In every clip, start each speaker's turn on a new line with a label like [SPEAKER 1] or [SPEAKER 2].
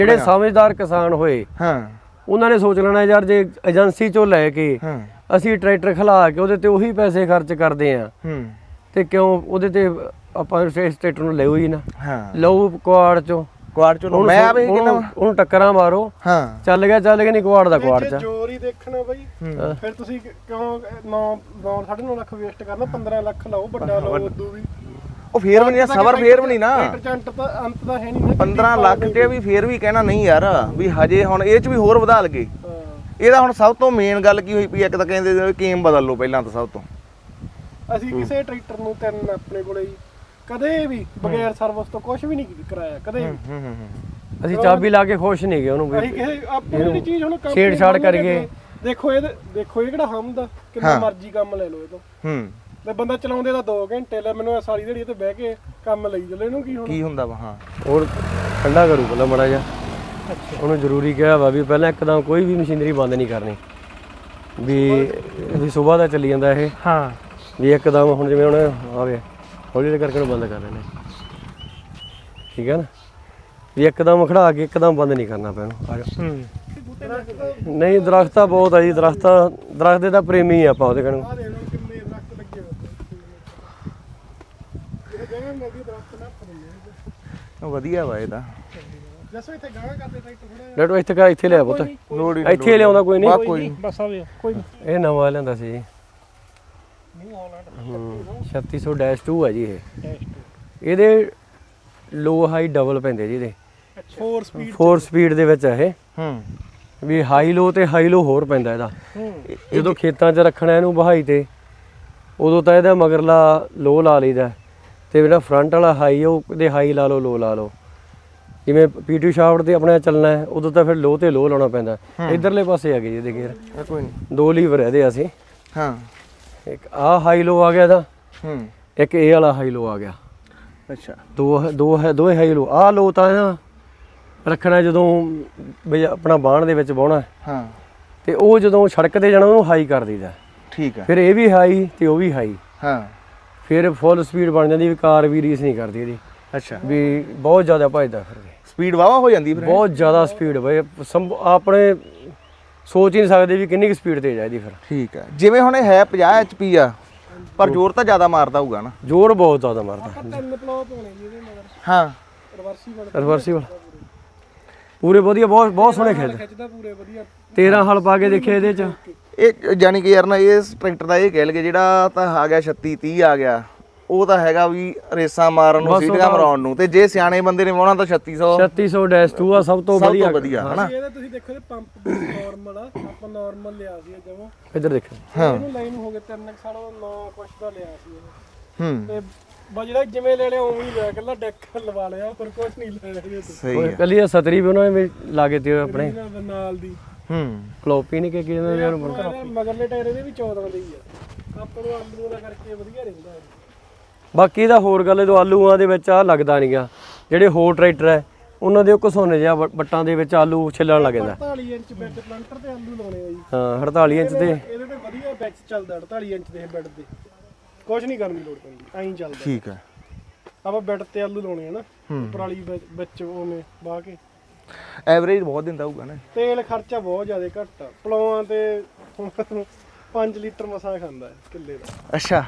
[SPEAKER 1] ਜਿਹੜੇ ਸਮਝਦਾਰ ਕਿਸਾਨ ਹੋਏ ਉਹਨਾਂ ਨੇ ਸੋਚ ਲੈਣਾ ਯਾਰ ਜੇ ਏਜੰਸੀ ਚੋਂ ਲੈ ਕੇ ਅਸੀਂ ਟਰੈਕਟਰ ਖਲਾ ਕੇ ਉਹਦੇ ਤੇ ਉਹੀ ਪੈਸੇ ਖਰਚ ਕਰਦੇ ਆ ਤੇ ਕਿਉਂ ਉਹਦੇ ਤੇ ਆਪਾਂ ਇਸ ਟਰੈਕਟਰ ਨੂੰ ਲਿਓ ਹੀ ਨਾ ਲਓ ਕੁਆੜ ਚੋਂ
[SPEAKER 2] ਮੈਂ ਆਵੇ ਕਹਿੰਦਾ
[SPEAKER 1] ਉਹਨੂੰ ਟੱਕਰਾਂ ਮਾਰੋ ਚੱਲ ਗਿਆ ਨਹੀਂ ਕੁਆੜ ਦਾ ਕੁਆੜ ਚ
[SPEAKER 3] ਜੋਰ ਹੀ ਦੇਖਣਾ ਬਾਈ ਫਿਰ ਤੁਸੀਂ ਕਿਉਂ 9.5 ਲੱਖ ਵੇਸਟ ਕਰਨਾ 15 ਲੱਖ ਲਾਓ ਵੱਡਾ ਲਾਓ ਉਦੋਂ ਵੀ
[SPEAKER 2] ਉਹ ਫੇਰ ਵੀ ਨਹੀਂ ਸਬਰ ਫੇਰ ਵੀ ਨਹੀਂ ਨਾ
[SPEAKER 3] ਅੰਤ ਤਾਂ ਹੈ ਨਹੀਂ
[SPEAKER 2] 15 ਲੱਖ ਤੇ ਵੀ ਫੇਰ ਵੀ ਕਹਿਣਾ ਨਹੀਂ ਯਾਰ ਵੀ ਹਜੇ ਹੁਣ ਇਹ ਚ ਵੀ ਹੋਰ ਵਧਾ ਲਗੇ ਇਹਦਾ ਹੁਣ ਸਭ ਤੋਂ ਮੇਨ ਗੱਲ ਕੀ ਹੋਈ ਪਈ ਇੱਕ ਤਾਂ ਕਹਿੰਦੇ ਕੇਮ ਬਦਲ ਲਓ ਪਹਿਲਾਂ ਤਾਂ ਸਭ ਤੋਂ
[SPEAKER 3] ਅਸੀਂ ਕਿਸੇ ਟਰੈਕਟਰ ਨੂੰ ਤਿੰਨ ਆਪਣੇ ਕੋਲੇ ਕਦੇ ਵੀ ਬਗੈਰ ਸਰਵਿਸ ਤੋਂ ਕੁਝ ਵੀ ਨਹੀਂ ਕਰਾਇਆ ਕਦੇ ਵੀ
[SPEAKER 1] ਅਸੀਂ ਚਾਬੀ ਲਾ ਕੇ ਖੁਸ਼ ਨਹੀਂ ਗਏ ਉਹਨੂੰ
[SPEAKER 3] ਅਸੀਂ ਕਿਸੇ ਆਪਣੀ ਚੀਜ਼ ਹੁਣ
[SPEAKER 1] ਛੇੜਛਾੜ ਕਰੀਏ
[SPEAKER 3] ਦੇਖੋ ਇਹ ਕਿਹੜਾ ਹਮਦਾ ਕਿੰਨਾ ਮਰਜ਼ੀ ਕੰਮ ਲੈ ਲਓ ਇਹ ਤੋਂ ਤੇ ਬੰਦਾ ਚਲਾਉਂਦੇ ਦਾ 2 ਘੰਟੇ ਲੈ ਮੈਨੂੰ ਸਾਰੀ ਦਿਹਾੜੀ ਤੇ ਬਹਿ ਕੇ ਕੰਮ ਲਈ ਚੱਲੇ ਇਹਨੂੰ ਕੀ ਹੁੰਦਾ
[SPEAKER 2] ਵਾ
[SPEAKER 1] ਹੋਰ ਠੰਡਾ ਕਰੂ ਪਹਿਲਾਂ ਮਾੜਾ ਜਿਹਾ ਉਹਨੂੰ ਜ਼ਰੂਰੀ ਕਿਹਾ ਵਾ ਵੀ ਪਹਿਲਾਂ ਇੱਕਦਮ ਕੋਈ ਵੀ ਮਸ਼ੀਨਰੀ ਬੰਦ ਨਹੀਂ ਕਰਨੀ ਵੀ ਸਵੇਰ ਦਾ ਚੱਲੀ ਜਾਂਦਾ ਇਹ ਵੀ ਇੱਕਦਮ ਹੁਣ ਜਿਵੇਂ ਹੁਣ ਆਵੇ ਹੌਲੀ ਕਰਕੇ ਉਹਨੂੰ ਬੰਦ ਕਰ ਲੈਣੇ ਠੀਕ ਹੈ ਨਾ ਵੀ ਇੱਕਦਮ ਖੜਾ ਕੇ ਇੱਕਦਮ ਬੰਦ ਨਹੀਂ ਕਰਨਾ ਪੈਣਾ ਆ ਜਾ ਨਹੀਂ ਦਰਖਤ ਤਾਂ ਬਹੁਤ ਆ ਜੀ ਦਰਖਤ ਦੇ ਤਾਂ ਪ੍ਰੇਮੀ ਆਪਾਂ ਉਹਦੇ ਕਣ
[SPEAKER 2] ਵਧੀਆ ਵਾ ਇਹਦਾ
[SPEAKER 3] ਜਸੋ ਇੱਥੇ ਗਾਣਾ ਕਰਦੇ ਟਰੈਕਟਰ ਥੋੜਾ
[SPEAKER 1] ਡੇਟੋ ਇੱਥੇ ਲਿਆ ਪੁੱਤ ਇੱਥੇ ਲਿਆਉਂਦਾ ਕੋਈ ਨਹੀਂ
[SPEAKER 3] ਬਸ ਆਵੇ ਕੋਈ
[SPEAKER 1] ਇਹ ਨਵਾਂ ਲਿਆਂਦਾ ਸੀ ਜੀ 3600-2 ਹੈ ਜੀ ਇਹ ਇਹਦੇ ਲੋ ਹਾਈ ਡਬਲ ਪੈਂਦੇ ਜੀ ਇਹਦੇ 4 ਸਪੀਡ ਦੇ ਵਿੱਚ ਹੈ ਇਹ ਵੀ ਹਾਈ ਲੋ ਤੇ ਹਾਈ ਲੋ ਹੋਰ ਪੈਂਦਾ ਇਹਦਾ ਜਦੋਂ ਖੇਤਾਂ 'ਚ ਰੱਖਣਾ ਇਹਨੂੰ ਵਹਾਈ ਤੇ ਉਦੋਂ ਤਾਂ ਇਹਦਾ ਮਗਰਲਾ ਲੋ ਲਾ ਲਈਦਾ ਤੇ ਜਿਹੜਾ ਫਰੰਟ ਵਾਲਾ ਹਾਈ ਉਹਦੇ ਹਾਈ ਲਾ ਲਓ ਲੋ ਲਾ ਲਓ ਜਿਵੇਂ ਪੀਟੀ ਸ਼ਾਫਟ ਤੇ ਆਪਣੇ ਚੱਲਣਾ ਹੈ ਉਦੋਂ ਤਾਂ ਫਿਰ ਲੋ ਤੇ ਲੋ ਲਾਉਣਾ ਪੈਂਦਾ ਇਧਰਲੇ ਪਾਸੇ ਆ ਗਏ ਇਹਦੇ ਗੇਅਰ
[SPEAKER 2] ਕੋਈ ਨਹੀਂ
[SPEAKER 1] 2 ਲੀਵਰ ਇਹਦੇ ਅਸੀਂ ਇੱਕ ਆ ਹਾਈ ਲੋ ਆ ਗਿਆ ਇਹਦਾ ਇੱਕ ਇਹ ਵਾਲਾ ਹਾਈ ਲੋ ਆ ਗਿਆ
[SPEAKER 2] ਅੱਛਾ
[SPEAKER 1] ਦੋ ਹਾਈ ਲੋ ਆ ਲੋ ਤਾਂ ਨਾ ਰੱਖਣਾ ਜਦੋਂ ਬਈ ਆਪਣਾ ਬਾਣ ਦੇ ਵਿੱਚ ਬਾਉਣਾ ਤੇ ਉਹ ਜਦੋਂ ਸੜਕ ਤੇ ਜਾਣਾ ਉਹਨੂੰ ਹਾਈ ਕਰ ਦਈਦਾ
[SPEAKER 2] ਠੀਕ ਹੈ
[SPEAKER 1] ਫਿਰ ਇਹ ਵੀ ਹਾਈ ਤੇ ਉਹ ਵੀ ਹਾਈ ਫਿਰ ਫੁੱਲ ਸਪੀਡ ਬਣ ਜਾਂਦੀ ਵੀ ਕਾਰ ਵੀ ਰੀਸ ਨਹੀਂ ਕਰਦੀ ਇਹਦੀ
[SPEAKER 2] ਅੱਛਾ ਵੀ
[SPEAKER 1] ਬਹੁਤ ਜ਼ਿਆਦਾ ਭੱਜਦਾ ਫਿਰ
[SPEAKER 2] ਸਪੀਡ ਵਾਵਾ ਹੋ ਜਾਂਦੀ ਫਿਰ
[SPEAKER 1] ਬਹੁਤ ਜ਼ਿਆਦਾ ਸਪੀਡ ਬਈ ਆਪਣੇ ਸੋਚ ਹੀ ਨਹੀਂ ਸਕਦੇ ਵੀ ਕਿੰਨੀ ਕੁ ਸਪੀਡ ਤੇ ਜਾਈਦੀ ਫਿਰ
[SPEAKER 2] ਠੀਕ ਹੈ ਜਿਵੇਂ ਹੁਣ ਇਹ ਹੈ 50 HP ਆ ਪਰ ਜ਼ੋਰ ਤਾਂ ਜ਼ਿਆਦਾ ਮਾਰਦਾ ਹੋਊਗਾ ਨਾ
[SPEAKER 1] ਜ਼ੋਰ ਬਹੁਤ ਜ਼ਿਆਦਾ ਮਾਰਦਾ
[SPEAKER 3] ਤਿੰਨ ਪਲਾਉ ਪਾਉਣੇ ਜੀ ਇਹਦੇ ਮਗਰ
[SPEAKER 1] ਰਿਵਰਸੀਬਲ ਪੂਰੇ ਵਧੀਆ ਬਹੁਤ ਸੋਹਣੇ
[SPEAKER 3] ਖਿੱਚਦਾ ਪੂਰੇ ਵਧੀਆ
[SPEAKER 1] 13 ਹਲ ਪਾ ਕੇ ਦੇਖੇ ਇਹਦੇ ਚ
[SPEAKER 2] ਇਹ ਯਾਨੀ ਕਿ ਯਾਰ ਨਾ ਇਸ ਟਰੈਕਟਰ ਦਾ ਇਹ ਕਹਿ ਲਗੇ ਜਿਹੜਾ ਤਾਂ ਆ ਗਿਆ 36 30 ਆ ਗਿਆ ਉਹ ਤਾਂ ਹੈਗਾ ਵੀ ਰੇਸਾਂ ਮਾਰਨ ਨੂੰ ਸੀਟਾਂ ਮਰਾਉਣ ਨੂੰ ਤੇ ਜੇ ਸਿਆਣੇ ਬੰਦੇ ਨੇ ਵਾਉਣਾ ਤਾਂ
[SPEAKER 1] 3600-2 ਆ ਸਭ ਤੋਂ
[SPEAKER 2] ਵਧੀਆ
[SPEAKER 3] ਹਨਾ ਇਹਦਾ ਤੁਸੀਂ ਦੇਖੋ ਇਹ ਪੰਪ ਨਾਰਮਲ ਆ ਆਪਾਂ ਨਾਰਮਲ ਲਿਆ ਸੀ ਜਮਾ
[SPEAKER 1] ਇੱਧਰ ਦੇਖੋ
[SPEAKER 3] ਇਹਨੂੰ ਲਾਈਨ ਹੋ ਗਏ 3 ਸਾਲ ਨਾ ਕੁਛ ਦਾ ਲਿਆ ਸੀ ਇਹ ਤੇ ਬਜੜਾ ਜਿਵੇਂ ਲੈ ਲਿਆ ਉਵੇਂ ਹੀ ਲਿਆ ਕੱਲਾ ਡੈਕ ਲਵਾ ਲਿਆ ਪਰ ਕੁਛ ਨਹੀਂ ਲਿਆ
[SPEAKER 2] ਸਹੀ ਹੈ
[SPEAKER 1] ਕੱਲੀ ਸਤਰੀ ਵੀ ਉਹਨਾਂ ਨੇ ਲਾਗੇ ਤੇ ਆਪਣੇ
[SPEAKER 3] ਨਾਲ ਦੀ
[SPEAKER 1] ਕਲੋਪੀ ਨਹੀਂ ਕਿ ਕਿਹਨਾਂ ਯਾਰ
[SPEAKER 3] ਮਗਰਲੇ ਟਾਇਰ ਇਹਦੇ ਵੀ 14 ਦੇ ਹੀ ਆ ਆਪਾਂ ਨੂੰ ਆਲੂ ਦਾ ਕਰਕੇ ਵਧੀਆ ਰਹਿੰਦਾ
[SPEAKER 1] ਬਾਕੀ ਦਾ ਹੋਰ ਗੱਲ ਜਦੋਂ ਆਲੂਆਂ ਦੇ ਵਿੱਚ ਆ ਲੱਗਦਾ ਨਹੀਂਗਾ ਜਿਹੜੇ ਹੋਰ ਟਰੈਕਟਰ ਹੈ ਉਹਨਾਂ ਦੇ ਉਹ ਘਸੋਨੇ ਜਿਹਾ ਬੱਟਾਂ ਦੇ ਵਿੱਚ ਆਲੂ ਛਿੱਲਣ ਲੱਗ ਜਾਂਦਾ
[SPEAKER 3] 48 ਇੰਚ ਬੈੱਡ ਪਲੰਟਰ ਤੇ ਆਲੂ ਲਾਉਣੇ ਆ ਜੀ
[SPEAKER 1] 48 ਇੰਚ ਤੇ
[SPEAKER 3] ਇਹਦੇ ਤੇ ਵਧੀਆ ਬੈਚ ਚੱਲਦਾ 48 ਇੰਚ ਦੇ ਬੈੱਡ ਤੇ ਕੁਝ ਨਹੀਂ ਕਰਨ ਦੀ ਲੋੜ ਪੈਂਦੀ ਐਂ ਚੱਲਦਾ
[SPEAKER 2] ਠੀਕ ਹੈ
[SPEAKER 3] ਆਪਾਂ ਬੈੱਡ ਤੇ ਆਲੂ ਲਾਉਣੇ ਆ ਨਾ ਪਰਾਲੀ ਵਿੱਚ ਉਵੇਂ ਬਾਹ ਕੇ
[SPEAKER 2] ਐਵਰੇਜ ਬਹੁਤ ਦਿੰਦਾ ਹੋਊਗਾ ਨਾ
[SPEAKER 3] ਤੇਲ ਖਰਚਾ ਬਹੁਤ ਜ਼ਿਆਦਾ ਘੱਟ ਆ ਪਲੌਆਂ ਤੇ 5 ਲੀਟਰ ਮਸਾ ਖਾਂਦਾ ਹੈ ਕਿੱਲੇ ਦਾ
[SPEAKER 2] ਅੱਛਾ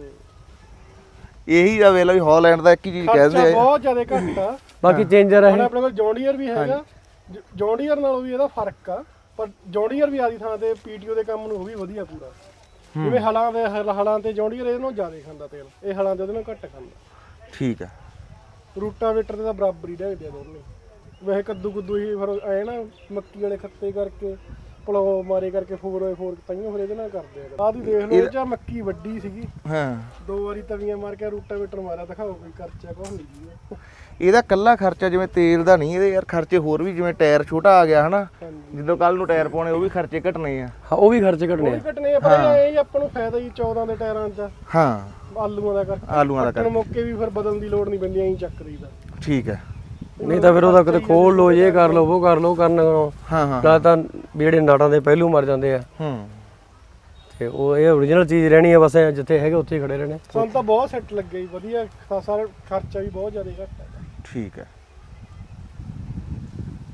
[SPEAKER 2] ਇਹੀ ਦਾ ਵੇਲਾ ਵੀ ਹਾਲੈਂਡ ਦਾ ਇੱਕ ਹੀ ਚੀਜ਼ ਕਹਿੰਦੇ ਆ
[SPEAKER 3] ਬਹੁਤ ਜ਼ਿਆਦਾ ਘੱਟ ਆ
[SPEAKER 1] ਬਾਕੀ ਚੇਂਜਰ ਹੈ
[SPEAKER 3] ਆਪਣੇ ਕੋਲ ਜੌਂਡੀਅਰ ਵੀ ਹੈਗਾ ਜੌਂਡੀਅਰ ਨਾਲੋਂ ਵੀ ਇਹਦਾ ਫਰਕ ਆ ਪਰ ਜੌਂਡੀਅਰ ਵੀ ਆਦੀ ਥਾਂ ਤੇ ਪੀਟੀਓ ਦੇ ਕੰਮ ਨੂੰ ਉਹ ਵੀ ਵਧੀਆ ਪੂਰਾ ਜਿਵੇਂ ਹਲਾਂ ਤੇ ਜੌਂਡੀਅਰ ਇਹਦੇ ਨਾਲੋਂ ਜ਼ਿਆਦਾ ਖਾਂਦਾ ਤੇਲ ਇਹ ਹਲਾਂ ਤੇ ਉਹਦੇ ਨਾਲੋਂ ਘੱਟ ਖਾਂਦਾ
[SPEAKER 2] ਠੀਕ ਆ
[SPEAKER 3] ਰੂਟਾਵੇਟਰ ਤੇ ਤਾਂ ਬਰਾਬਰ ਹੀ ਢੇਡੇ ਦੋਨੇ ਵੈਸੇ ਕੱਦੂ ਹੀ ਫਿਰ ਐ ਨਾ ਮੱਕੀ ਵਾਲੇ ਖੱਤੇ ਕਰਕੇ ਪਲੋ ਮਾਰੇ ਕਰਕੇ 4x4 ਤਾਈਓ ਫਿਰ ਇਹਦੇ ਨਾਲ ਕਰਦੇ ਆ ਆਹ ਦੀ ਦੇਖ ਲਓ ਇਹ ਚ ਮੱਕੀ ਵੱਡੀ ਸੀਗੀ 2 ਵਾਰੀ ਤਵੀਆਂ ਮਾਰ ਕੇ ਰੂਟਾਵੇਟਰ ਮਾਰਿਆ ਦਿਖਾਓ ਕੋਈ ਖਰਚਾ ਕੁਛ ਨਹੀਂ ਜੀ
[SPEAKER 2] ਇਹਦਾ ਕੱਲਾ ਖਰਚਾ ਜਿਵੇਂ ਤੇਲ ਦਾ ਨਹੀਂ ਇਹਦੇ ਯਾਰ ਖਰਚੇ ਹੋਰ ਵੀ ਜਿਵੇਂ ਟਾਇਰ ਛੋਟਾ ਆ ਗਿਆ ਹਨਾ ਜਦੋਂ ਕੱਲ ਨੂੰ ਟਾਇਰ ਪਾਉਣੇ ਉਹ ਵੀ ਖਰਚੇ ਘਟਣੇ ਆ
[SPEAKER 1] ਉਹ ਵੀ ਖਰਚੇ ਘਟਣੇ
[SPEAKER 3] ਆ ਪਰ ਇਹ ਆਪਾਂ ਨੂੰ ਫਾਇਦਾ ਹੀ 14 ਦੇ ਟਾਇਰਾਂ 'ਚ ਆਲੂਆਂ ਦਾ ਕਰਕੇ ਮੌਕੇ ਵੀ ਫਿਰ ਬਦਲਣ ਦੀ ਲੋੜ ਨਹੀਂ ਪੈਂਦੀ ਐਂ ਚੱਕ ਦਈਦਾ
[SPEAKER 2] ਠੀਕ ਹੈ
[SPEAKER 1] ਨਹੀਂ ਤਾਂ ਫਿਰ ਉਹਦਾ ਕਿਤੇ ਖੋਲ ਲੋ ਇਹ ਕਰ ਲੋ ਉਹ ਕਰ ਲੋ ਕਰਨਾ ਨਾ ਤਾਂ ਜਿਹੜੇ ਨਾਟਾਂ ਦੇ ਪਹਿਲੂ ਮਰ ਜਾਂਦੇ ਆ ਤੇ ਉਹ ਇਹ ਓਰੀਜਨਲ ਚੀਜ਼ ਰਹਿਣੀ ਆ ਬਸ ਜਿੱਥੇ ਹੈਗੇ ਉੱਥੇ ਹੀ ਖੜੇ ਰਹਿਣੇ
[SPEAKER 3] ਸਾਨੂੰ ਤਾਂ ਬਹੁਤ ਸੈੱਟ ਲੱਗੇ ਜੀ ਵਧੀਆ ਖਾਸਾ ਖਰਚਾ ਵੀ ਬਹੁਤ ਜ਼ਿਆਦਾ ਘੱਟ ਹੈ
[SPEAKER 2] ਠੀਕ ਹੈ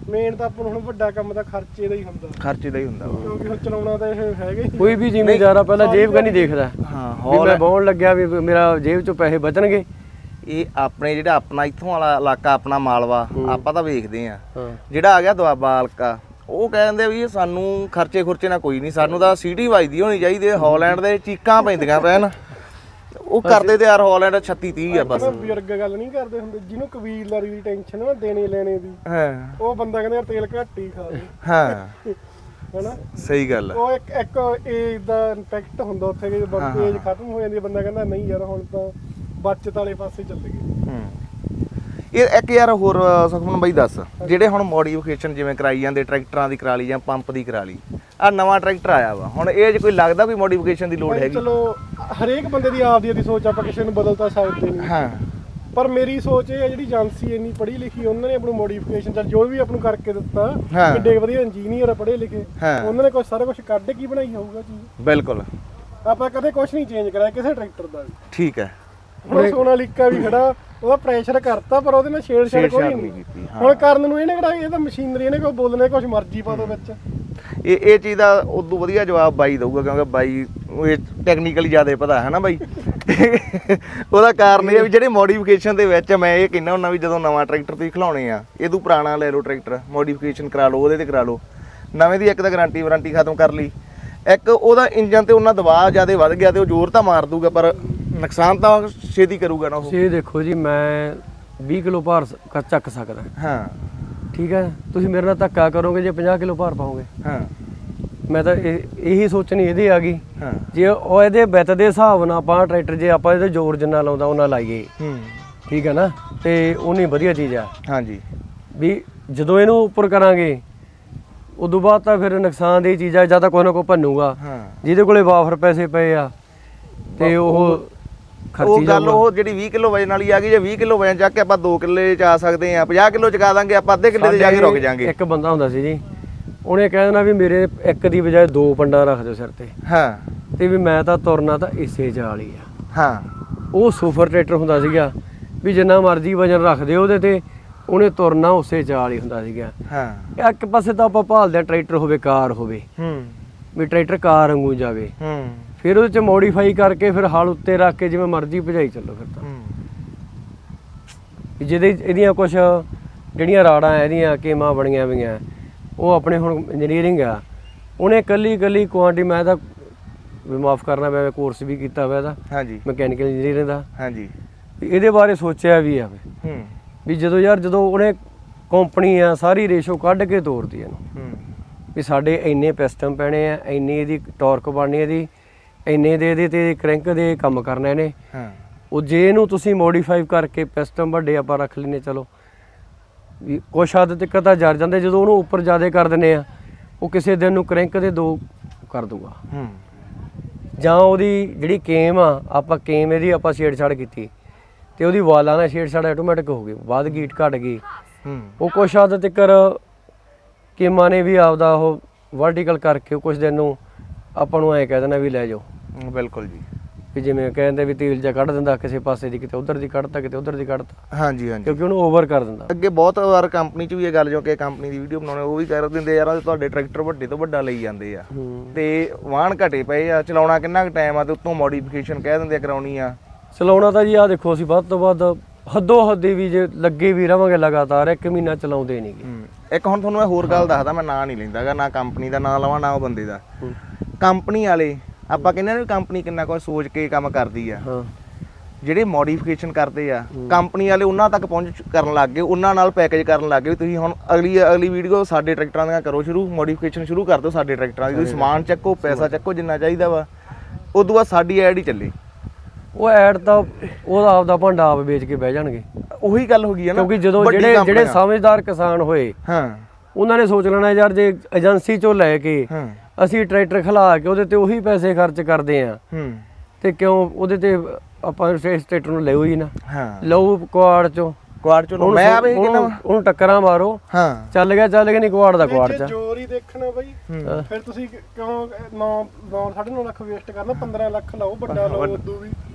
[SPEAKER 3] ਮੇਨ ਤਾਂ ਆਪਾਂ ਨੂੰ ਹੁਣ ਵੱਡਾ ਕੰਮ ਤਾਂ ਖਰਚੇ ਦਾ ਹੀ ਹੁੰਦਾ,
[SPEAKER 2] ਖਰਚੇ ਦਾ ਹੀ ਹੁੰਦਾ ਵਾ।
[SPEAKER 3] ਕਿਉਂਕਿ ਹੁਣ ਚਲਾਉਣਾ ਤਾਂ ਇਹ ਹੈਗਾ ਹੀ।
[SPEAKER 1] ਕੋਈ ਵੀ ਜ਼ਿਮੀਂਦਾਰ ਆ ਪਹਿਲਾਂ ਜੇਬ ਕਾ ਨਹੀਂ ਦੇਖਦਾ
[SPEAKER 2] ਹਾਂ
[SPEAKER 1] ਵੀ ਮੈਂ ਬਾਉਣ ਲੱਗਿਆ ਵੀ ਮੇਰਾ ਜੇਬ ਚੋਂ ਪੈਸੇ ਬਚਣਗੇ।
[SPEAKER 2] ਇਹ ਆਪਣੇ ਜਿਹੜਾ ਆਪਣਾ ਇੱਥੋਂ ਵਾਲਾ ਇਲਾਕਾ ਆਪਣਾ ਮਾਲਵਾ ਆਪਾਂ ਤਾਂ ਵੇਖਦੇ ਆ,
[SPEAKER 1] ਹਾਂ
[SPEAKER 2] ਜਿਹੜਾ ਆ ਗਿਆ ਦੁਆਬਾ ਹਲਕਾ ਉਹ ਕਹਿੰਦੇ ਵੀ ਸਾਨੂੰ ਖਰਚੇ ਖੁਰਚੇ ਨਾਲ ਕੋਈ ਨਹੀਂ, ਸਾਨੂੰ ਤਾਂ ਸਿਟੀ ਵੱਜਦੀ ਹੋਣੀ ਚਾਹੀਦੀ। ਹਾਲੈਂਡ ਦੇ ਚੀਕਾਂ ਪੈਂਦੀਆਂ ਪੈਣ, ਉਹ ਕਰਦੇ ਤੇ ਯਾਰ ਹਾਲੈਂਡ 36 30 ਆ ਬਸ।
[SPEAKER 3] ਬਜ਼ੁਰਗ ਗੱਲ ਨਹੀਂ ਕਰਦੇ ਹੁੰਦੇ, ਜਿਹਨੂੰ ਕਬੀਲਦਾਰੀ ਦੀ ਟੈਨਸ਼ਨ ਨਾ ਦੇਣੇ ਲੈਣੇ ਦੀ,
[SPEAKER 2] ਹਾਂ
[SPEAKER 3] ਉਹ ਬੰਦਾ ਕਹਿੰਦਾ ਯਾਰ ਤੇਲ ਘੱਟ ਹੀ ਖਾ ਦੇ,
[SPEAKER 2] ਹਾਂ
[SPEAKER 3] ਹੈਨਾ।
[SPEAKER 2] ਸਹੀ ਗੱਲ ਆ।
[SPEAKER 3] ਉਹ ਇੱਕ ਏਜ ਦਾ ਇੰਪੈਕਟ ਹੁੰਦਾ ਉੱਥੇ ਕਿ ਜਦੋਂ ਏਜ ਖਤਮ ਹੋ ਜਾਂਦੀ ਹੈ, ਬੰਦਾ ਕਹਿੰਦਾ ਨਹੀਂ ਯਾਰ ਹੁਣ ਤਾਂ ਬਚਤ ਵਾਲੇ ਪਾਸੇ ਚੱਲ ਗਏ।
[SPEAKER 2] ਇਹ ਇੱਕ ਯਾਰ ਹੋਰ ਸੁਖਮਨ ਬਾਈ ਦੱਸ, ਜਿਹੜੇ ਹੁਣ ਮੋਡੀਫਿਕੇਸ਼ਨ ਜਿਵੇਂ ਕਰਾਈ ਜਾਂਦੇ ਟਰੈਕਟਰਾਂ ਦੀ ਕਰਾ ਲਈ ਜਾਂ ਪੰਪ ਦੀ ਕਰਾ ਲਈ, ਆ ਨਵਾਂ ਟਰੈਕਟਰ ਆਇਆ ਵਾ ਹੁਣ, ਇਹ 'ਚ ਕੋਈ ਲੱਗਦਾ ਕੋਈ ਮੋਡੀਫਿਕੇਸ਼ਨ ਦੀ ਲੋੜ ਹੈਗੀ?
[SPEAKER 3] ਚਲੋ ਹਰੇਕ ਬੰਦੇ ਦੀ ਆਪਦੀ ਸੋਚ, ਆਪਾਂ ਕਿਸੇ ਨੂੰ ਬਦਲ ਤਾਂ ਸਕਦੇ ਨਹੀਂ।
[SPEAKER 2] ਹਾਂ
[SPEAKER 3] ਪਰ ਮੇਰੀ ਸੋਚ ਇਹ ਹੈ, ਜਿਹੜੀ ਏਜੰਸੀ ਇੰਨੀ ਪੜ੍ਹੀ ਲਿਖੀ, ਉਹਨਾਂ ਨੇ ਆਪਣੀ ਮੋਡੀਫਿਕੇਸ਼ਨ ਚੱਲ ਜੋ ਵੀ ਆਪ ਨੂੰ ਕਰਕੇ ਦਿੱਤਾ, ਕਿੱਡੇ ਵਧੀਆ ਇੰਜੀਨੀਅਰ ਪੜ੍ਹੇ ਲਿਖੇ, ਉਹਨਾਂ ਨੇ ਸਾਰਾ ਕੁਝ ਕੱਢ ਕੇ ਬਣਾਈ ਹੋਊਗਾ ਚੀਜ਼।
[SPEAKER 2] ਬਿਲਕੁਲ,
[SPEAKER 3] ਆਪਾਂ ਕਦੇ ਕੁਝ ਨਹੀਂ ਚੇਂਜ ਕਰਾਇਆ ਕਿਸੇ ਟਰੈਕਟਰ ਦਾ ਵੀ।
[SPEAKER 2] ਠੀਕ ਹੈ।
[SPEAKER 3] ਹੁਣ ਸੋਨਾਲੀਕਾ ਵੀ ਖੜਾ, ਉਹਦਾ ਪ੍ਰੈਸ਼ਰ ਕਰਤਾ ਪਰ ਉਹਦੇ ਨਾਲ ਛੇੜਛਾੜ ਕੋਈ ਨਹੀਂ ਕੀਤੀ। ਹੁਣ ਕਰਨ ਨੂੰ ਇਹਨੇ ਕਿਹੜਾ, ਇਹ ਤਾਂ ਮਸ਼ੀਨਰੀ, ਇਹਨੇ ਕੋਈ ਬੋਲਣੇ ਕੁਝ ਮਰਜ਼ੀ ਪਾ ਦੋ ਵਿੱਚ।
[SPEAKER 2] ਇਹ ਚੀਜ਼ ਦਾ ਉਦੋਂ ਵਧੀਆ ਜਵਾਬ ਬਾਈ ਦਊਗਾ, ਕਿਉਂਕਿ ਬਾਈ ਇਹ ਟੈਕਨੀਕਲੀ ਜ਼ਿਆਦਾ ਪਤਾ ਹੈ ਨਾ ਬਾਈ। ਉਹਦਾ ਕਾਰਨ ਇਹ ਵੀ ਜਿਹੜੇ ਮੋਡੀਫਿਕੇਸ਼ਨ ਦੇ ਵਿੱਚ ਮੈਂ ਇਹ ਕਹਿੰਦਾ ਹੁੰਦਾ ਵੀ ਜਦੋਂ ਨਵਾਂ ਟਰੈਕਟਰ ਤੁਸੀਂ ਖਿਲਾਉਣੇ ਆ, ਇਹ ਤੂੰ ਪੁਰਾਣਾ ਲੈ ਲਓ ਟਰੈਕਟਰ, ਮੋਡੀਫਿਕੇਸ਼ਨ ਕਰਾ ਲਓ, ਉਹਦੇ ਤੇ ਕਰਾ ਲਓ। ਨਵੇਂ ਦੀ ਇੱਕ ਤਾਂ ਗਾਰੰਟੀ ਵਾਰੰਟੀ ਖਤਮ ਕਰ ਲਈ, ਇੱਕ ਉਹਦਾ ਇੰਜਨ ਤੇ ਉਹਨਾਂ ਦਬਾਅ ਜ਼ਿਆਦਾ ਵੱਧ ਗਿਆ ਤੇ ਉਹ ਜ਼ੋਰ ਤਾਂ ਮਾਰ ਦੂਗਾ ਪਰ ਨੁਕਸਾਨ ਤਾਂ ਛੇਤੀ ਕਰੂਗਾ ਨਾ ਉਹ।
[SPEAKER 1] ਇਹ ਦੇਖੋ ਜੀ, ਮੈਂ 20 ਕਿਲੋ ਭਾਰ ਚੱਕ ਸਕਦਾ,
[SPEAKER 2] ਹਾਂ
[SPEAKER 1] ਠੀਕ ਹੈ। ਤੁਸੀਂ ਮੇਰੇ ਨਾਲ ਧੱਕਾ ਕਰੋਗੇ ਜੇ 50 ਕਿਲੋ ਭਾਰ ਪਾਓਗੇ।
[SPEAKER 2] ਹਾਂ
[SPEAKER 1] ਮੈਂ ਤਾਂ ਇਹੀ ਸੋਚਣੀ ਇਹਦੇ ਆ ਗਈ,
[SPEAKER 2] ਹਾਂ
[SPEAKER 1] ਜੇ ਉਹ ਇਹਦੇ ਬਿੱਤ ਦੇ ਹਿਸਾਬ ਨਾਲ ਆਪਾਂ ਟਰੈਕਟਰ, ਜੇ ਆਪਾਂ ਇਹਦੇ ਜ਼ੋਰ ਜਿੰਨਾ ਲਾਉਂਦਾ ਉਹਨਾਂ ਲਾਈਏ, ਠੀਕ ਹੈ ਨਾ, ਤੇ ਉਨੀ ਵਧੀਆ ਚੀਜ਼ ਆ।
[SPEAKER 2] ਹਾਂਜੀ
[SPEAKER 1] ਵੀ ਜਦੋਂ ਇਹਨੂੰ ਉੱਪਰ ਕਰਾਂਗੇ ਉਦੋਂ ਬਾਅਦ ਤਾਂ ਫਿਰ ਨੁਕਸਾਨ ਦੀ ਚੀਜ਼ ਆ, ਜਾਂ ਤਾਂ ਕੋਈ ਨਾ ਕੋਈ ਭੰਨੂਗਾ। ਜਿਹਦੇ ਕੋਲੇ ਵਾਫਰ ਪੈਸੇ ਪਏ ਆ ਤੇ ਉਹ
[SPEAKER 2] ਉਹ ਗੱਲ ਉਹ ਜਿਹੜੀ 20 ਕਿਲੋ ਵਜਨ ਵਾਲੀ ਆ ਗਈ, ਜੇ 20 ਕਿਲੋ ਵਜਨ ਚੱਕ ਕੇ ਆਪਾਂ 2 ਕਿੱਲੇ ਚ ਆ ਸਕਦੇ ਆ, 50 ਕਿਲੋ ਚਕਾ ਦਾਂਗੇ ਆਪਾਂ, ਅੱਧੇ ਕਿੱਲੇ ਤੇ ਜਾ ਕੇ ਰੁਕ ਜਾਾਂਗੇ।
[SPEAKER 1] ਇੱਕ ਬੰਦਾ ਹੁੰਦਾ ਸੀ ਜੀ, ਉਹਨੇ ਕਹਿ ਦੇਣਾ ਵੀ ਮੇਰੇ ਇੱਕ ਦੀ ਬਜਾਏ 2 ਪੰਡਾ ਰੱਖ ਦਿਓ ਸਿਰ ਤੇ।
[SPEAKER 2] ਹਾਂ
[SPEAKER 1] ਤੇ ਵੀ ਮੈਂ ਤਾਂ ਤੁਰਨਾ ਤਾਂ ਇਸੇ ਚਾਲ ਹੀ ਆ।
[SPEAKER 2] ਹਾਂ
[SPEAKER 1] ਉਹ ਸੁਪਰ ਟਰੈਕਟਰ ਹੁੰਦਾ ਸੀਗਾ ਵੀ ਜਿੰਨਾ ਮਰਜ਼ੀ ਵਜਨ ਰੱਖ ਦਿਓ ਉਹਦੇ ਤੇ, ਉਹਨੇ ਤੁਰਨਾ ਉਸੇ ਚਾਲ ਹੀ ਹੁੰਦਾ ਸੀਗਾ।
[SPEAKER 2] ਹਾਂ
[SPEAKER 1] ਇੱਕ ਪਾਸੇ ਤਾਂ ਆਪਾਂ ਭਾਲਦੇ ਆ ਟਰੈਕਟਰ ਹੋਵੇ, ਕਾਰ ਹੋਵੇ, ਵੀ ਟਰੈਕਟਰ ਕਾਰ ਵਾਂਗੂ ਜਾਵੇ, ਫਿਰ ਉਹਦੇ ਚ ਮੋਡੀਫਾਈ ਕਰਕੇ ਫਿਰ ਹਲ ਉੱਤੇ ਰੱਖ ਕੇ ਜਿਵੇਂ ਮਰਜ਼ੀ ਭਜਾਈ ਚੱਲੋ। ਫਿਰ ਤਾਂ ਜਿਹਦੇ ਇਹਦੀਆਂ ਕੁਝ ਜਿਹੜੀਆਂ ਰਾੜਾਂ ਇਹਦੀਆਂ ਕੀਮਾਂ ਬਣੀਆਂ ਹੋਈਆਂ, ਉਹ ਆਪਣੇ ਹੁਣ ਇੰਜੀਨੀਅਰਿੰਗ ਆ, ਉਹਨੇ ਕੱਲੀ ਕੁਆਂਟੀ, ਮੈਂ ਤਾਂ ਵੀ ਮਾਫ ਕਰਨਾ, ਮੈਂ ਕੋਰਸ ਵੀ ਕੀਤਾ ਹੋਇਆ ਇਹਦਾ,
[SPEAKER 2] ਹਾਂਜੀ
[SPEAKER 1] ਮਕੈਨੀਕਲ ਇੰਜੀਨੀਅਰਿੰਗ ਦਾ।
[SPEAKER 2] ਹਾਂਜੀ
[SPEAKER 1] ਇਹਦੇ ਬਾਰੇ ਸੋਚਿਆ ਵੀ ਆ ਵੀ ਜਦੋਂ ਉਹਨੇ ਕੰਪਨੀ ਆ ਸਾਰੀ ਰੇਸ਼ੋ ਕੱਢ ਕੇ ਤੋਰਦੀ ਇਹਨੂੰ, ਵੀ ਸਾਡੇ ਇੰਨੇ ਪਿਸਟਨ ਪੈਣੇ ਆ, ਇੰਨੀ ਇਹਦੀ ਟਾਰਕ ਬਣਨੀ, ਇਹਦੀ ਇੰਨੇ ਦੇ ਇਹਦੇ ਤੇ ਕ੍ਰੈਂਕ ਦੇ ਕੰਮ ਕਰਨਾ ਇਹਨੇ। ਉਹ ਜੇ ਇਹਨੂੰ ਤੁਸੀਂ ਮੋਡੀਫਾਈ ਕਰਕੇ ਪਿਸਟਨ ਵੱਡੇ ਆਪਾਂ ਰੱਖ ਲੈਨੇ, ਚਲੋ ਵੀ ਕੁਛ ਹੱਦ ਤੱਕ ਤਾਂ ਜਰ ਜਾਂਦੇ, ਜਦੋਂ ਉਹਨੂੰ ਉੱਪਰ ਜ਼ਿਆਦਾ ਕਰ ਦਿੰਦੇ ਆ, ਉਹ ਕਿਸੇ ਦਿਨ ਨੂੰ ਕ੍ਰੈਂਕ ਦੇ 2 ਕਰ ਦੂਗਾ। ਜਾਂ ਉਹਦੀ ਜਿਹੜੀ ਕੇਮ ਆ, ਆਪਾਂ ਕੇਮ ਇਹਦੀ ਆਪਾਂ ਛੇੜਛਾੜ ਕੀਤੀ ਤੇ ਉਹਦੀ ਵਾਲਾਂ ਨਾਲ ਛੇੜਛਾੜ ਆਟੋਮੈਟਿਕ ਹੋ ਗਈ, ਵੱਧ ਗੀਟ ਘਟ ਗਈ। ਉਹ ਕੁਛ ਹੱਦ ਤੱਕ ਕੇਮਾਂ ਨੇ ਵੀ ਆਪਦਾ ਉਹ ਵਰਟੀਕਲ ਕਰਕੇ ਕੁਛ ਦਿਨ ਨੂੰ ਆਪਾਂ ਨੂੰ ਐਂ ਕਹਿ ਦੇਣਾ ਵੀ ਲੈ ਜਾਓ।
[SPEAKER 2] ਬਿਲਕੁਲ ਜੀ,
[SPEAKER 1] ਵੀ ਜਿਵੇਂ ਕਹਿੰਦੇ ਵੀ ਤੇਲ ਜਾਂ ਕੱਢ ਦਿੰਦਾ ਕਿਸੇ ਪਾਸੇ ਦੀ, ਕਿਤੇ ਉਧਰ ਦੀ ਕੱਢਤਾ, ਕਿਤੇ ਉਧਰ ਦੀ ਕੱਢਤਾ।
[SPEAKER 2] ਹਾਂਜੀ ਹਾਂਜੀ,
[SPEAKER 1] ਕਿਉਂਕਿ ਉਹਨੂੰ ਓਵਰ ਕਰ ਦਿੰਦਾ।
[SPEAKER 2] ਅੱਗੇ ਬਹੁਤ ਵਾਰ ਕੰਪਨੀ 'ਚ ਵੀ ਇਹ ਗੱਲ, ਜੋ ਕਿ ਕੰਪਨੀ ਦੀ ਵੀਡੀਓ ਬਣਾਉਣੇ ਉਹ ਵੀ ਕਰ ਦਿੰਦੇ ਯਾਰ ਤੁਹਾਡੇ ਟਰੈਕਟਰ ਵੱਡੇ ਤੋਂ ਵੱਡਾ ਲਈ ਜਾਂਦੇ ਆ ਤੇ ਵਾਹਣ ਘਟੇ ਪਏ ਆ, ਚਲਾਉਣਾ ਕਿੰਨਾ ਕੁ ਟਾਈਮ ਆ, ਤੇ ਉੱਤੋਂ ਮੋਡੀਫਿਕੇਸ਼ਨ ਕਹਿ ਦਿੰਦੇ ਆ ਕਰਾਉਣੀ ਆ।
[SPEAKER 1] ਚਲਾਉਣਾ ਤਾਂ ਜੀ ਆਹ ਦੇਖੋ, ਅਸੀਂ ਵੱਧ ਤੋਂ ਵੱਧ ਹੱਦੋਂ ਹੱਦੀ ਵੀ ਜੇ ਲੱਗੇ ਵੀ ਰਵਾਂਗੇ ਲਗਾਤਾਰ, 1 ਮਹੀਨਾ ਚਲਾਉਂਦੇ ਨਹੀਂਗੇ।
[SPEAKER 2] ਇੱਕ ਹੁਣ ਤੁਹਾਨੂੰ ਮੈਂ ਹੋਰ ਗੱਲ ਦੱਸਦਾ, ਮੈਂ ਨਾਂ ਨਹੀਂ ਲੈਂਦਾਗਾ, ਨਾ ਕੰਪਨੀ ਦਾ ਨਾਂ ਲਵਾਂ ਨਾ ਉਹ ਬੰਦੇ ਦਾ। ਕੰਪਨੀ ਵਾਲੇ ਆਪਾਂ ਕਹਿੰਦੇ ਨੇ ਕੰਪਨੀ ਕਿੰਨਾ ਕੁਝ ਸੋਚ ਕੇ ਕੰਮ ਕਰਦੀ ਆ, ਜਿਹੜੇ ਮੋਡੀਫਿਕੇਸ਼ਨ ਕਰਦੇ ਆ ਕੰਪਨੀ ਵਾਲੇ ਉਹਨਾਂ ਤੱਕ ਪਹੁੰਚ ਕਰਨ ਲੱਗ ਗਏ, ਉਹਨਾਂ ਨਾਲ ਪੈਕੇਜ ਕਰਨ ਲੱਗ ਗਏ ਵੀ ਤੁਸੀਂ ਹੁਣ ਅਗਲੀ ਵੀਡੀਓ ਸਾਡੇ ਟਰੈਕਟਰਾਂ ਦੀਆਂ ਕਰੋ ਸ਼ੁਰੂ, ਮੋਡੀਫਿਕੇਸ਼ਨ ਸ਼ੁਰੂ ਕਰ ਦਿਓ ਸਾਡੇ ਟਰੈਕਟਰਾਂ ਦੀ, ਤੁਸੀਂ ਸਮਾਨ ਚੱਕੋ, ਪੈਸਾ ਚੱਕੋ ਜਿੰਨਾ ਚਾਹੀਦਾ ਵਾ, ਉਦੋਂ ਬਾਅਦ ਸਾਡੀ ਐਡ ਹੀ ਚੱਲੇ।
[SPEAKER 1] ਉਹ ਐਡ ਤਾਂ ਉਹਦਾ ਆਪਦਾ ਭਾਂਡਾ ਆਪ ਵੇਚ ਕੇ ਬਹਿ ਜਾਣਗੇ।
[SPEAKER 2] ਉਹੀ ਗੱਲ ਹੋ ਗਈ ਹੈ ਨਾ,
[SPEAKER 1] ਕਿਉਂਕਿ ਜਦੋਂ ਜਿਹੜੇ ਸਮਝਦਾਰ ਕਿਸਾਨ ਹੋਏ, ਉਹਨਾਂ ਨੇ ਸੋਚ ਲੈਣਾ ਯਾਰ ਜੇ ਏਜੰਸੀ ਚੋਂ ਲੈ ਕੇ ਅਸੀਂ ਟਰੈਕਟਰ ਖਿਲਾ ਕੇ ਉਹਦੇ ਤੇ ਉਹੀ ਪੈਸੇ ਖਰਚ ਕਰਦੇ ਆ, ਤੇ ਕਿਉਂ ਉਹਦੇ ਤੇ ਆਪਾਂ ਇਸ ਟਰੈਕਟਰ ਨੂੰ ਲਿਓ ਹੀ ਨਾ। ਲਓ ਕੁਆੜ ਚੋਂ
[SPEAKER 2] ਮੈਂ ਆਵੇ ਕਿੰਨਾ
[SPEAKER 1] ਉਹਨੂੰ ਟੱਕਰਾਂ ਮਾਰੋ, ਚੱਲ ਗਿਆ ਨਹੀਂ ਕੁਆੜ ਦਾ ਕੁਆੜ ਚ
[SPEAKER 3] ਜੋਰ ਹੀ ਦੇਖਣਾ ਬਈ। ਫਿਰ ਤੁਸੀਂ ਕਿਉਂ 9.5 ਲੱਖ ਵੇਸਟ ਕਰਨਾ, 15 ਲੱਖ ਲਾਓ, ਵੱਡਾ ਲਾਓ, ਉਦੋਂ ਵੀ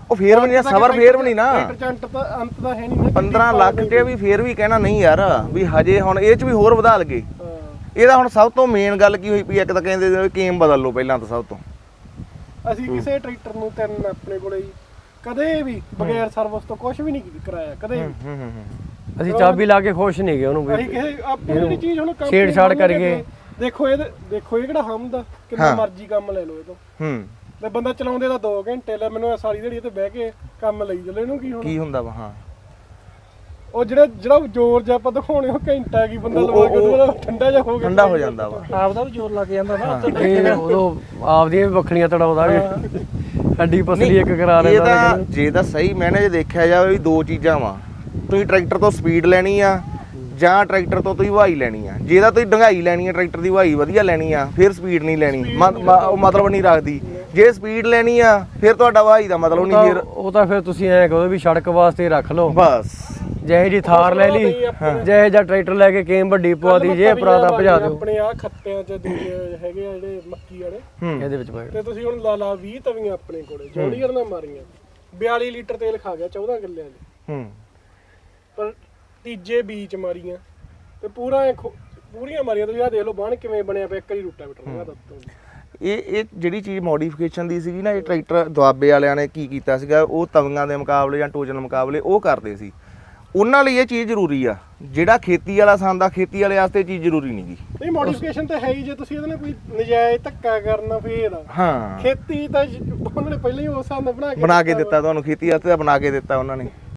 [SPEAKER 2] ਉਹ ਫੇਰ ਵੀ ਨਹੀਂ ਸਬਰ, ਫੇਰ ਵੀ ਨਹੀਂ ਨਾ
[SPEAKER 3] ਟਰੈਕਟਰ ਚ ਅੰਤ ਤਾਂ ਹੈ ਨਹੀਂ ਨਾ।
[SPEAKER 2] 15 ਲੱਖ ਤੇ ਵੀ ਫੇਰ ਵੀ ਕਹਿਣਾ ਨਹੀਂ ਯਾਰ ਵੀ ਹਜੇ ਹੁਣ ਇਹ ਚ ਵੀ ਹੋਰ ਵਧਾ ਲਗੇ।
[SPEAKER 3] ਹਾਂ।
[SPEAKER 2] ਇਹਦਾ ਹੁਣ ਸਭ ਤੋਂ ਮੇਨ ਗੱਲ ਕੀ ਹੋਈ ਪਈ, ਇੱਕ ਤਾਂ ਕਹਿੰਦੇ ਕੇਮ ਬਦਲ ਲਓ ਪਹਿਲਾਂ ਤਾਂ ਸਭ ਤੋਂ।
[SPEAKER 3] ਅਸੀਂ ਕਿਸੇ ਟਰੈਕਟਰ ਨੂੰ ਤਿੰਨ ਆਪਣੇ ਕੋਲੇ ਹੀ ਕਦੇ ਵੀ ਬਗੈਰ ਸਰਵਿਸ ਤੋਂ ਕੁਝ ਵੀ ਨਹੀਂ ਕਰਾਇਆ ਕਦੇ ਵੀ।
[SPEAKER 1] ਅਸੀਂ ਚਾਬੀ ਲਾ ਕੇ ਖੁਸ਼ ਨਹੀਂ ਗਏ ਉਹਨੂੰ ਵੀ।
[SPEAKER 3] ਅਸੀਂ ਕਿਸੇ ਆਪਣੀ ਜਿਹੜੀ ਚੀਜ਼ ਹੁਣ company
[SPEAKER 1] ਛੇੜਛਾੜ
[SPEAKER 3] ਵਾਲੇ
[SPEAKER 1] ਕਰਕੇ।
[SPEAKER 3] ਦੇਖੋ ਇਹ ਕਿਹੜਾ ਹਮਦਾ ਕਿੰਨਾ ਮਰਜ਼ੀ ਕੰਮ ਲੈ ਲਓ ਇਹ ਤੋਂ। ਤੇ ਬੰਦਾ ਚਲਾਉਂਦੇ ਤਾਂ 2 ਘੰਟੇ ਲੈ, ਮੈਨੂੰ ਸਾਰੀ ਦਿਹਾੜੀ ਤੇ ਬਹਿ ਕੇ ਕੰਮ ਲਈ ਚੱਲੇ, ਇਹਨੂੰ ਕੀ ਹੁਣ
[SPEAKER 2] ਕੀ ਹੁੰਦਾ ਵਾ। ਹਾਂ
[SPEAKER 3] ਉਹ ਜਿਹੜਾ ਜ਼ੋਰ ਜਿਹਾ ਆਪਾਂ ਦਿਖਾਉਣੇ ਉਹ ਘੰਟਾ ਕੀ ਬੰਦਾ ਲਵਾ ਕੇ ਉਹਦੇ ਬਾਅਦ ਠੰਡਾ ਜਿਹਾ ਹੋ ਗਿਆ,
[SPEAKER 2] ਠੰਡਾ ਹੋ ਜਾਂਦਾ ਵਾ।
[SPEAKER 3] ਆਪਦਾ ਵੀ ਜ਼ੋਰ ਲੱਗ ਜਾਂਦਾ ਨਾ।
[SPEAKER 1] ਇਹ ਉਦੋਂ ਆਪਦੀਆਂ ਵੀ ਵੱਖਰੀਆਂ ਤੜਾਉਂਦਾ ਵੀ ਹੱਡੀ ਪਸਲੀ ਇੱਕ ਕਰਾ
[SPEAKER 2] ਇਹ
[SPEAKER 1] ਲੈਂਦਾ।
[SPEAKER 2] ਤਾਂ ਜੇ ਤਾਂ ਸਹੀ ਮੈਨੇ ਜੇ ਦੇਖਿਆ ਜਾਵੇ ਵੀ ਦੋ ਚੀਜ਼ਾਂ ਵਾ, ਤੁਸੀਂ ਟਰੈਕਟਰ ਤੋਂ ਸਪੀਡ ਲੈਣੀ ਆ ਜਾਂ ਟਰੈਕਟਰ ਤੋਂ ਤੁਸੀਂ ਵਹਾਈ ਲੈਣੀ ਆ। ਜੇ ਤਾਂ ਤੁਸੀਂ ਡੰਗਾਈ ਲੈਣੀ ਆ, ਟਰੈਕਟਰ ਦੀ ਵਹਾਈ ਵਧੀਆ ਲੈਣੀ ਆ, ਫਿਰ ਸਪੀਡ ਨਹੀਂ ਲੈਣੀ, ਉਹ ਮਤਲਬ ਨਹੀਂ ਰੱਖਦੀ। ਜੇ ਸਪੀਡ ਲੈਣੀ ਆ ਫਿਰ ਤੁਹਾਡਾ ਵਹਾਈ ਦਾ ਮਤਲਬ ਨਹੀਂ। ਫਿਰ
[SPEAKER 1] ਉਹ ਤਾਂ ਫਿਰ ਤੁਸੀਂ ਐਂ ਕਹੋ ਵੀ ਸੜਕ ਵਾਸਤੇ ਰੱਖ ਲਓ
[SPEAKER 2] ਬਸ।
[SPEAKER 1] ਜਿਹੇ ਜੀ ਥਾਰ ਲੈ ਲਈ, ਜਿਹੇ ਜਾਂ ਟਰੈਕਟਰ ਲੈ ਕੇ ਕੇਮ ਵੱਡੀ ਪਵਾ ਦੀ, ਜੇ ਪਰਾਦਾ ਭਜਾ ਦਿਓ।
[SPEAKER 3] ਆਪਣੇ ਆ ਖੱਤਿਆਂ ਚ ਦੂਜੇ ਹੈਗੇ ਆ ਜਿਹੜੇ ਮੱਕੀ ਵਾਲੇ,
[SPEAKER 1] ਇਹਦੇ ਵਿੱਚ ਪਾਏ
[SPEAKER 3] ਤੇ ਤੁਸੀਂ ਹੁਣ ਲਾ 20 ਤਵੀਆਂ ਆਪਣੇ ਕੋਲੇ ਜੌਂਡੀਅਰ ਨਾਲ ਮਾਰੀਆਂ, 42 ਲੀਟਰ ਤੇਲ ਖਾ ਗਿਆ 14 ਕਿੱਲਿਆਂ ਦੇ। ਪਰ ਤੀਜੇ ਬੀਚ ਮਾਰੀਆਂ ਤੇ ਪੂਰੀਆਂ ਮਾਰੀਆਂ। ਤੁਸੀਂ ਆ ਦੇਖ ਲਓ ਬਾਣ ਕਿਵੇਂ ਬਣਿਆ ਪਿਆ, ਇੱਕ ਹੀ ਰੂਟਾਵੇਟਰ ਲਗਾ ਦਿੱਤਾ।
[SPEAKER 2] ਇਹ ਜਿਹੜੀ ਚੀਜ਼ ਮੋਡੀਫਿਕੇਸ਼ਨ ਦੀ ਸੀਗੀ ਨਾ, ਇਹ ਟਰੈਕਟਰ ਦੁਆਬੇ ਵਾਲਿਆਂ ਨੇ ਕੀ ਕੀਤਾ ਸੀਗਾ, ਉਹ ਤਵੀਆਂ ਦੇ ਮੁਕਾਬਲੇ ਜਾਂ ਟੋਜਨ ਮੁਕਾਬਲੇ ਉਹ ਕਰਦੇ ਸੀ। ਉਹਨਾਂ ਲਈ ਇਹ ਚੀਜ਼ ਜ਼ਰੂਰੀ ਆ। ਜਿਹੜਾ ਖੇਤੀ ਵਾਲਾ ਸੰਦ, ਖੇਤੀ ਵਾਲੇ ਵਾਸਤੇ ਚੀਜ਼ ਜ਼ਰੂਰੀ ਨਹੀਂ ਗੀ।
[SPEAKER 3] ਨਹੀਂ ਮੋਡੀਫਿਕੇਸ਼ਨ ਤਾਂ ਹੈ ਹੀ, ਜੇ ਤੁਸੀਂ ਇਹਦੇ ਨਾਲ ਕੋਈ ਨਜਾਇਜ਼ ਧੱਕਾ ਕਰਨਾ ਫੇਰ
[SPEAKER 2] ਹਾਂ
[SPEAKER 3] ਖੇਤੀ ਤਾਂ ਉਹਨਾਂ ਨੇ ਪਹਿਲਾਂ ਹੀ ਉਸ ਹਿਸਾਬ ਨਾਲ
[SPEAKER 2] ਬਣਾ ਕੇ ਦਿੱਤਾ ਤੁਹਾਨੂੰ, ਖੇਤੀ ਵਾਸਤੇ ਤਾਂ ਬਣਾ ਕੇ ਦਿੱਤਾ ਉਹਨਾਂ ਨੇ।